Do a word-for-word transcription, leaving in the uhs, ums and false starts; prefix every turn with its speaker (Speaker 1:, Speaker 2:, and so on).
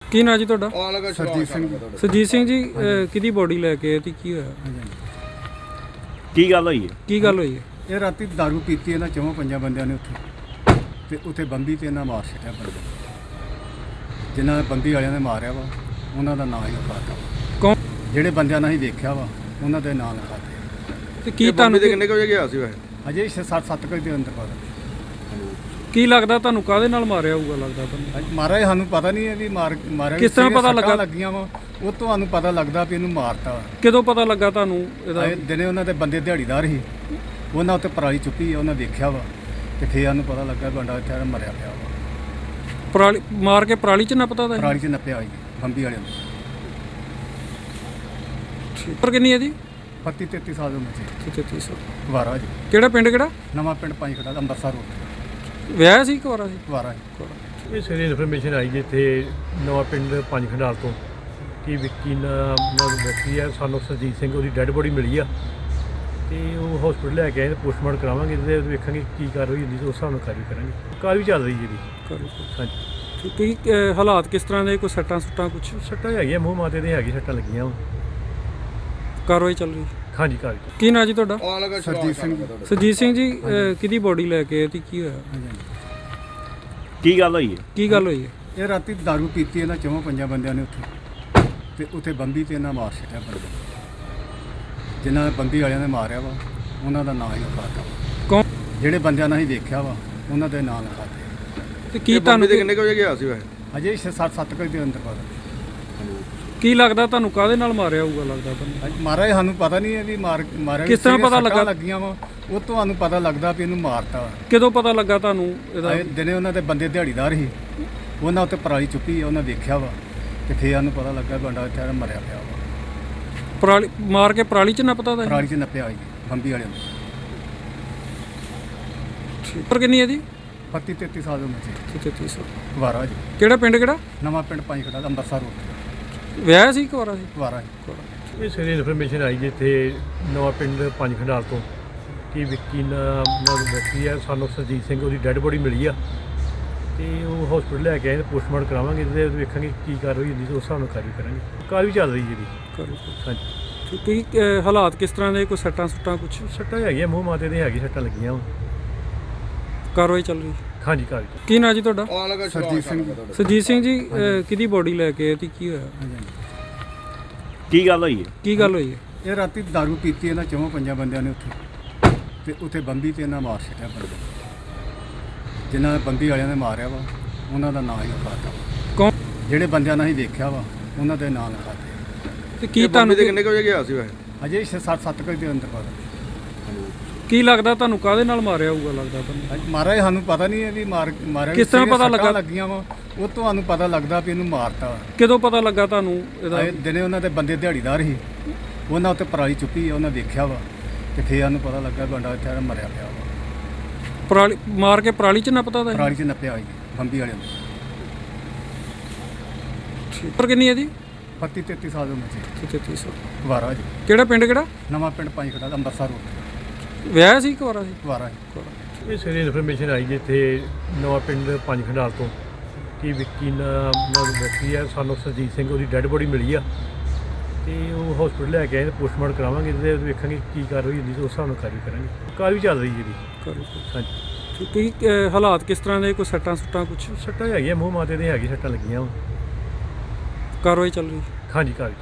Speaker 1: ਕੀ ਨਾਂ ਜੀ ਤੁਹਾਡਾ?
Speaker 2: ਸਰਜੀਤ ਸਿੰਘ।
Speaker 1: ਸਰਜੀਤ ਸਿੰਘ ਜੀ, ਕਿਹਦੀ ਬੋਡੀ ਲੈ ਕੇ ਆਏ ਤੇ ਕੀ ਹੋਇਆ?
Speaker 3: ਕੀ ਗੱਲ ਹੋਈ ਹੈ?
Speaker 1: ਕੀ ਗੱਲ ਹੋਈ ਹੈ?
Speaker 2: ਇਹ ਰਾਤੀ ਦਾਰੂ ਪੀਤੀ ਇਹਨਾਂ ਚੌਂ ਪੰਜਾਂ ਬੰਦਿਆਂ ਨੇ ਉੱਥੇ, ਤੇ ਉੱਥੇ ਬੰਬੀ ਤੇ ਇਹਨਾਂ ਮਾਰ ਛੱਡਿਆ ਬੰਦੇ। ਜਿਨ੍ਹਾਂ ਨੇ ਬੰਬੀ ਵਾਲਿਆਂ ਨੇ ਮਾਰਿਆ ਵਾ ਉਹਨਾਂ ਦਾ ਨਾਂ ਹੀ ਲਿਖਾਤਾ।
Speaker 1: ਕੌਣ?
Speaker 2: ਜਿਹੜੇ ਬੰਦਿਆਂ ਨਾਲ ਹੀ ਵੇਖਿਆ ਵਾ ਉਹਨਾਂ ਦੇ ਨਾਂ ਲਿਖਾਤੇ।
Speaker 1: ਤੇ ਕੀ ਤੁਹਾਨੂੰ
Speaker 4: ਕਿੰਨੇ ਕੁ ਵਜੇ ਗਿਆ ਸੀ ਵੈਸੇ?
Speaker 2: ਅਜੇ ਛੇ ਸੱਤ ਸੱਤ ਕੁ ਦੇ ਅੰਦਰ ਪਤਾ।
Speaker 1: ਕੀ ਲੱਗਦਾ ਤੁਹਾਨੂੰ ਕਾਹਦੇ ਨਾਲ ਮਾਰਿਆ ਹੋਊਗਾ ਲੱਗਦਾ ਤੁਹਾਨੂੰ?
Speaker 2: ਅੱਜ ਮਾਰਿਆ ਸਾਨੂੰ ਪਤਾ ਨਹੀਂ ਹੈ ਵੀ ਮਾਰ ਮਾਰਿਆ
Speaker 1: ਕਿਸ ਤਰ੍ਹਾਂ ਪਤਾ ਲੱਗਾ?
Speaker 2: ਲੱਗੀਆਂ ਵਾ ਉਹ ਤੁਹਾਨੂੰ ਪਤਾ ਲੱਗਦਾ ਵੀ ਇਹਨੂੰ ਮਾਰਤਾ ਵਾ।
Speaker 1: ਕਦੋਂ ਪਤਾ ਲੱਗਾ ਤੁਹਾਨੂੰ ਇਹਦਾ?
Speaker 2: ਇਹ ਦਿਨੇ ਉਹਨਾਂ ਦੇ ਬੰਦੇ ਦਿਹਾੜੀਦਾਰ ਸੀ, ਉਹਨਾਂ ਉੱਤੇ ਪਰਾਲੀ ਚੁੱਕੀ ਉਹਨਾਂ ਦੇਖਿਆ ਵਾ, ਤੇ ਫੇਰ ਸਾਨੂੰ ਪਤਾ ਲੱਗਾ ਬੰਦਾ ਇੱਥੇ ਮਰਿਆ ਪਿਆ ਵਾ।
Speaker 1: ਪਰਾਲੀ ਮਾਰ ਕੇ ਪਰਾਲੀ ਚ ਨਾ ਪਤਾ ਦਾ?
Speaker 2: ਪਰਾਲੀ 'ਚ ਨੱਪਿਆ ਹੋਈ ਬੰਬੀ ਵਾਲਿਆਂ ਨੂੰ।
Speaker 1: ਪਰ ਕਿੰਨੀ ਹੈ ਜੀ?
Speaker 2: ਪੱਤੀ ਤੇਤੀ ਸਾਲ ਦੀ ਉਮਰ ਸੀ।
Speaker 1: ਤੇਤੀ ਸੌ।
Speaker 2: ਵਾਰਾ ਜੀ।
Speaker 1: ਕਿਹੜਾ ਪਿੰਡ ਕਿਹੜਾ?
Speaker 2: ਨਵਾਂ ਪਿੰਡ ਪੰਜ ਖੜਾ ਅੰਮ੍ਰਿਤਸਰ ਰੋਡ
Speaker 1: ਵਿਆਹ ਸੀ ਕੁਆਰਾ ਸੀ?
Speaker 2: ਵਾਰਾ ਜੀ।
Speaker 5: ਇਹ ਸਵੇਰੇ ਇਨਫੋਰਮੇਸ਼ਨ ਆਈ ਜੀ ਇੱਥੇ ਨਵਾਂ ਪਿੰਡ ਪੰਜ ਖੰਡਾਲ ਤੋਂ ਕਿ ਵਿੱਕੀ ਨਾਲ ਵਿਅਕਤੀ ਹੈ, ਸਾਨੂੰ ਸਰਜੀਤ ਸਿੰਘ, ਉਹਦੀ ਡੈੱਡ ਬੋਡੀ ਮਿਲੀ ਆ ਤੇ ਉਹ ਹਸਪੀਟਲ ਲੈ ਕੇ ਆਏ, ਪੋਸਟਮਾਰਟਮ ਕਰਾਵਾਂਗੇ ਤੇ ਵੇਖਾਂਗੇ ਕੀ ਕਾਰਵਾਈ ਹੁੰਦੀ ਤੇ ਉਸ ਹਿਸਾਬ ਨਾਲ ਕਾਰਵਾਈ ਕਰਾਂਗੇ। ਕਾਰਵਾਈ ਚੱਲ ਰਹੀ ਜੀ ਇਹਦੀ। ਹਾਂਜੀ।
Speaker 1: ਕੀ ਅਹ, ਹਾਲਾਤ ਕਿਸ ਤਰ੍ਹਾਂ ਦੇ? ਕੋਈ ਸੱਟਾਂ ਸੁੱਟਾਂ ਕੁਛ?
Speaker 5: ਸੱਟਾਂ ਹੈਗੀਆਂ, ਮੂੰਹ ਮਾਤੇ ਦੇ ਹੈਗੀ ਸੱਟਾਂ ਲੱਗੀਆਂ ਵਾ।
Speaker 1: ਕਾਰਵਾਈ ਚੱਲ ਰਹੀ?
Speaker 5: ਹਾਂਜੀ ਕਾਰਵਾਈ।
Speaker 1: ਕੀ ਨਾਂ ਜੀ ਤੁਹਾਡਾ?
Speaker 2: ਸਰਜੀਤ ਸਿੰਘ।
Speaker 1: ਸਰਜੀਤ ਸਿੰਘ ਜੀ, ਅਹ, ਕਿਹਦੀ ਬੋਡੀ ਲੈ ਕੇ ਆਏ ਤੇ ਕੀ ਹੋਇਆ?
Speaker 3: ਕੀ ਗੱਲ ਹੋਈ ਹੈ?
Speaker 1: ਕੀ ਗੱਲ ਹੋਈ ਹੈ?
Speaker 2: ਇਹ ਰਾਤੀ ਦਾਰੂ ਪੀਤੀ ਇਹਨਾਂ ਚੌਂ ਪੰਜਾਂ ਬੰਦਿਆਂ ਨੇ ਉੱਥੇ, ਤੇ ਉੱਥੇ ਬੰਬੀ ਤੇ ਇਹਨਾਂ ਮਾਰ ਛੱਡਿਆ ਬੰਦੇ। ਜਿਨ੍ਹਾਂ ਨੇ ਬੰਬੀ ਵਾਲਿਆਂ ਨੇ ਮਾਰਿਆ ਵਾ ਉਹਨਾਂ ਦਾ ਨਾਂ ਹੀ ਲਿਖਾਤਾ।
Speaker 1: ਕੌਣ?
Speaker 2: ਜਿਹੜੇ ਬੰਦਿਆਂ ਨਾਲ ਹੀ ਵੇਖਿਆ ਵਾ ਉਹਨਾਂ ਦੇ ਨਾਂ ਲਿਖਾਤੇ।
Speaker 1: ਤੇ ਕੀ ਤੁਹਾਨੂੰ
Speaker 4: ਕਿੰਨੇ ਕੁ ਵਜੇ ਗਿਆ ਸੀ ਵੈਸੇ?
Speaker 2: ਅਜੇ ਛੇ ਸੱਤ ਸੱਤ ਕੁ ਦੇ ਅੰਦਰ ਪਤਾ।
Speaker 1: ਕੀ ਲੱਗਦਾ ਤੁਹਾਨੂੰ ਕਾਹਦੇ ਨਾਲ ਮਾਰਿਆ ਹੋਊਗਾ ਲੱਗਦਾ ਤੁਹਾਨੂੰ?
Speaker 2: ਅੱਜ ਮਾਰਿਆ ਸਾਨੂੰ ਪਤਾ ਨਹੀਂ ਹੈ ਵੀ ਮਾਰ ਮਾਰਿਆ
Speaker 1: ਕਿਸ ਤਰ੍ਹਾਂ ਪਤਾ ਲੱਗਾ?
Speaker 2: ਲੱਗੀਆਂ ਵਾ ਉਹ ਤੁਹਾਨੂੰ ਪਤਾ ਲੱਗਦਾ ਵੀ ਇਹਨੂੰ ਮਾਰਤਾ ਵਾ।
Speaker 1: ਕਦੋਂ ਪਤਾ ਲੱਗਾ ਤੁਹਾਨੂੰ ਇਹਦਾ?
Speaker 2: ਇਹ ਦਿਨੇ ਉਹਨਾਂ ਦੇ ਬੰਦੇ ਦਿਹਾੜੀਦਾਰ ਸੀ, ਉਹਨਾਂ ਉੱਤੇ ਪਰਾਲੀ ਚੁੱਕੀ ਉਹਨਾਂ ਦੇਖਿਆ ਵਾ, ਤੇ ਫੇਰ ਸਾਨੂੰ ਪਤਾ ਲੱਗਾ ਬੰਦਾ ਇੱਥੇ ਮਰਿਆ ਪਿਆ ਵਾ।
Speaker 1: ਪਰਾਲੀ ਮਾਰ ਕੇ ਪਰਾਲੀ ਚ ਨਾ ਪਤਾ ਦਾ?
Speaker 2: ਪਰਾਲੀ 'ਚ ਨੱਪਿਆ ਹੋਈ ਬੰਬੀ ਵਾਲਿਆਂ ਨੂੰ।
Speaker 1: ਪਰ ਕਿੰਨੀ ਹੈ ਜੀ?
Speaker 2: ਪੱਤੀ ਤੇਤੀ ਸਾਲ ਦੀ ਉਮਰ ਸੀ।
Speaker 1: ਤੇਤੀ ਸੌ।
Speaker 2: ਵਾਰਾ ਜੀ।
Speaker 1: ਕਿਹੜਾ ਪਿੰਡ ਕਿਹੜਾ?
Speaker 2: ਨਵਾਂ ਪਿੰਡ ਪੰਜ ਖੜਾ ਅੰਮ੍ਰਿਤਸਰ ਰੋਡ
Speaker 1: ਵਿਆਹ ਸੀ ਕੁਆਰਾ ਸੀ?
Speaker 2: ਵਾਰਾ ਜੀ।
Speaker 5: ਇਹ ਸਵੇਰੇ ਇਨਫੋਰਮੇਸ਼ਨ ਆਈ ਜੀ ਇੱਥੇ ਨਵਾਂ ਪਿੰਡ ਪੰਜ ਖੰਡਾਲ ਤੋਂ ਕਿ ਵਿੱਕੀ ਨਾਲ ਵਿਅਕਤੀ ਹੈ, ਸਾਨੂੰ ਸਰਜੀਤ ਸਿੰਘ, ਉਹਦੀ ਡੈੱਡ ਬੋਡੀ ਮਿਲੀ ਆ ਤੇ ਉਹ ਹਸਪੀਟਲ ਲੈ ਕੇ ਆਏ, ਪੋਸਟਮਾਰਟਮ ਕਰਾਵਾਂਗੇ ਤੇ ਵੇਖਾਂਗੇ ਕੀ ਕਾਰਵਾਈ ਹੁੰਦੀ ਤੇ ਉਸ ਹਿਸਾਬ ਨਾਲ ਕਾਰਵਾਈ ਕਰਾਂਗੇ। ਕਾਰਵਾਈ ਚੱਲ ਰਹੀ ਜੀ ਇਹਦੀ। ਹਾਂਜੀ।
Speaker 1: ਕੀ ਅਹ, ਹਾਲਾਤ ਕਿਸ ਤਰ੍ਹਾਂ ਦੇ? ਕੋਈ ਸੱਟਾਂ ਸੁੱਟਾਂ ਕੁਛ?
Speaker 5: ਸੱਟਾਂ ਹੈਗੀਆਂ, ਮੂੰਹ ਮਾਤੇ ਦੇ ਹੈਗੀ ਸੱਟਾਂ ਲੱਗੀਆਂ ਵਾ।
Speaker 1: ਕਾਰਵਾਈ ਚੱਲ ਰਹੀ?
Speaker 5: ਹਾਂਜੀ ਕਾਰਵਾਈ।
Speaker 1: ਕੀ ਨਾਂ ਜੀ ਤੁਹਾਡਾ?
Speaker 2: ਸਰਜੀਤ ਸਿੰਘ।
Speaker 1: ਸਰਜੀਤ ਸਿੰਘ ਜੀ, ਅਹ, ਕਿਹਦੀ ਬੋਡੀ ਲੈ ਕੇ ਆਏ ਤੇ ਕੀ ਹੋਇਆ?
Speaker 3: ਕੀ ਗੱਲ ਹੋਈ ਹੈ?
Speaker 1: ਕੀ ਗੱਲ ਹੋਈ ਹੈ?
Speaker 2: ਇਹ ਰਾਤੀ ਦਾਰੂ ਪੀਤੀ ਇਹਨਾਂ ਚੌਂ ਪੰਜਾਂ ਬੰਦਿਆਂ ਨੇ ਉੱਥੇ, ਤੇ ਉੱਥੇ ਬੰਬੀ ਤੇ ਇਹਨਾਂ ਮਾਰ ਛੱਡਿਆ ਬੰਦੇ। ਜਿਨ੍ਹਾਂ ਨੇ ਬੰਬੀ ਵਾਲਿਆਂ ਨੇ ਮਾਰਿਆ ਵਾ ਉਹਨਾਂ ਦਾ ਨਾਂ ਹੀ ਲਿਖਾਤਾ।
Speaker 1: ਕੌਣ?
Speaker 2: ਜਿਹੜੇ ਬੰਦਿਆਂ ਨਾਲ ਹੀ ਵੇਖਿਆ ਵਾ ਉਹਨਾਂ ਦੇ ਨਾਂ ਲਿਖਾਤੇ।
Speaker 1: ਤੇ ਕੀ ਤੁਹਾਨੂੰ
Speaker 4: ਕਿੰਨੇ ਕੁ ਵਜੇ ਗਿਆ ਸੀ ਵੈਸੇ?
Speaker 2: ਅਜੇ ਛੇ ਸੱਤ ਸੱਤ ਕੁ ਦੇ ਅੰਦਰ ਪਤਾ।
Speaker 1: ਕੀ ਲੱਗਦਾ ਤੁਹਾਨੂੰ ਕਾਹਦੇ ਨਾਲ ਮਾਰਿਆ ਹੋਊਗਾ ਲੱਗਦਾ ਤੁਹਾਨੂੰ?
Speaker 2: ਅੱਜ ਮਾਰਿਆ ਸਾਨੂੰ ਪਤਾ ਨਹੀਂ ਹੈ ਵੀ ਮਾਰ ਮਾਰਿਆ
Speaker 1: ਕਿਸ ਤਰ੍ਹਾਂ ਪਤਾ ਲੱਗਾ?
Speaker 2: ਲੱਗੀਆਂ ਵਾ ਉਹ ਤੁਹਾਨੂੰ ਪਤਾ ਲੱਗਦਾ ਵੀ ਇਹਨੂੰ ਮਾਰਤਾ ਵਾ।
Speaker 1: ਕਦੋਂ ਪਤਾ ਲੱਗਾ ਤੁਹਾਨੂੰ ਇਹਦਾ?
Speaker 2: ਇਹ ਦਿਨੇ ਉਹਨਾਂ ਦੇ ਬੰਦੇ ਦਿਹਾੜੀਦਾਰ ਸੀ, ਉਹਨਾਂ ਉੱਤੇ ਪਰਾਲੀ ਚੁੱਕੀ ਉਹਨਾਂ ਦੇਖਿਆ ਵਾ, ਤੇ ਫੇਰ ਸਾਨੂੰ ਪਤਾ ਲੱਗਾ ਬੰਦਾ ਇੱਥੇ ਮਰਿਆ ਪਿਆ ਵਾ।
Speaker 1: ਪਰਾਲੀ ਮਾਰ ਕੇ ਪਰਾਲੀ ਚ ਨਾ ਪਤਾ ਦਾ?
Speaker 2: ਪਰਾਲੀ 'ਚ ਨੱਪਿਆ ਹੋਈ ਬੰਬੀ ਵਾਲਿਆਂ ਨੂੰ।
Speaker 1: ਪਰ ਕਿੰਨੀ ਹੈ ਜੀ?
Speaker 2: ਪੱਤੀ ਤੇਤੀ ਸਾਲ ਦੀ ਉਮਰ ਸੀ।
Speaker 1: ਤੇਤੀ ਸੌ।
Speaker 2: ਵਾਰਾ ਜੀ।
Speaker 1: ਕਿਹੜਾ ਪਿੰਡ ਕਿਹੜਾ?
Speaker 2: ਨਵਾਂ ਪਿੰਡ ਪੰਜ ਖੜਾ ਅੰਮ੍ਰਿਤਸਰ ਰੋਡ
Speaker 1: ਵਿਆਹ ਸੀ ਕੁਆਰਾ ਸੀ?
Speaker 2: ਵਾਰਾ ਜੀ।
Speaker 5: ਇਹ ਸਵੇਰੇ ਇਨਫੋਰਮੇਸ਼ਨ ਆਈ ਜੀ ਇੱਥੇ ਨਵਾਂ ਪਿੰਡ ਪੰਜ ਖੰਡਾਲ ਤੋਂ ਕਿ ਵਿੱਕੀ ਨਾਲ ਵਿਅਕਤੀ ਹੈ, ਸਾਨੂੰ ਸਰਜੀਤ ਸਿੰਘ, ਉਹਦੀ ਡੈੱਡ ਬੋਡੀ ਮਿਲੀ ਆ ਤੇ ਉਹ ਹਸਪੀਟਲ ਲੈ ਕੇ ਆਏ, ਪੋਸਟਮਾਰਟਮ ਕਰਾਵਾਂਗੇ ਤੇ ਵੇਖਾਂਗੇ ਕੀ ਕਾਰਵਾਈ ਹੁੰਦੀ ਤੇ ਉਸ ਹਿਸਾਬ ਨਾਲ ਕਾਰਵਾਈ ਕਰਾਂਗੇ। ਕਾਰਵਾਈ ਚੱਲ ਰਹੀ ਜੀ ਇਹਦੀ। ਹਾਂਜੀ।
Speaker 1: ਕੀ ਅਹ, ਹਾਲਾਤ ਕਿਸ ਤਰ੍ਹਾਂ ਦੇ? ਕੋਈ ਸੱਟਾਂ ਸੁੱਟਾਂ ਕੁਛ?
Speaker 5: ਸੱਟਾਂ ਹੈਗੀਆਂ, ਮੂੰਹ ਮਾਤੇ ਦੇ ਹੈਗੀ ਸੱਟਾਂ ਲੱਗੀਆਂ ਵਾ।
Speaker 1: ਕਾਰਵਾਈ ਚੱਲ ਰਹੀ?
Speaker 5: ਹਾਂਜੀ ਕਾਰਵਾਈ।